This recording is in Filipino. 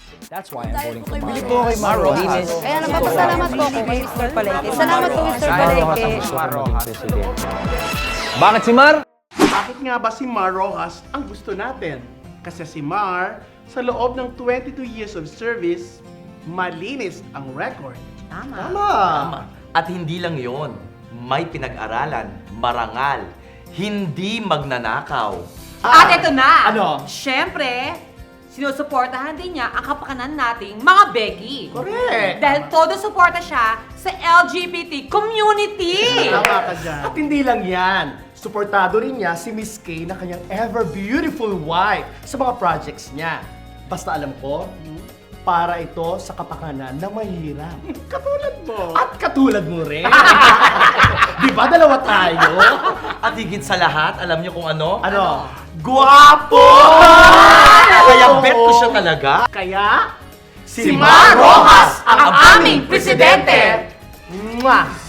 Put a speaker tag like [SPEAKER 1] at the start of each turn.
[SPEAKER 1] That's why I'm voting for
[SPEAKER 2] Bili
[SPEAKER 1] Mar
[SPEAKER 2] po kay Mar Rojas.
[SPEAKER 3] Kaya nagpapasalamat po ako kay Mr. Palengke. Salamat po, Mr. Palengke.
[SPEAKER 1] Bakit si Mar?
[SPEAKER 4] Bakit nga ba si Mar Rojas ang gusto natin? Kasi si Mar, sa loob ng 22 years of service, malinis ang record.
[SPEAKER 2] Tama. At hindi lang yon, may pinag-aralan, marangal, hindi magnanakaw.
[SPEAKER 5] At ito na!
[SPEAKER 4] Ano?
[SPEAKER 5] Siyempre, sinusuportahan din niya ang kapakanan nating mga Becky.
[SPEAKER 4] Correct!
[SPEAKER 5] Dahil todo suporta siya sa LGBT community.
[SPEAKER 4] Tama ka dyan.
[SPEAKER 6] At hindi lang yan, suportado rin niya si Miss Kay na kanyang ever beautiful wife sa mga projects niya. Basta alam ko, para ito sa kapakanan ng mahirap.
[SPEAKER 4] Katulad mo.
[SPEAKER 6] At katulad mo rin. Di ba dalawa tayo?
[SPEAKER 2] At higit sa lahat, alam niyo kung ano?
[SPEAKER 6] Ano?
[SPEAKER 2] Guwapo! Kaya bet ko siya talaga.
[SPEAKER 4] Kaya,
[SPEAKER 2] Si Mar Rojas, ang aming
[SPEAKER 5] presidente!
[SPEAKER 6] Mwah!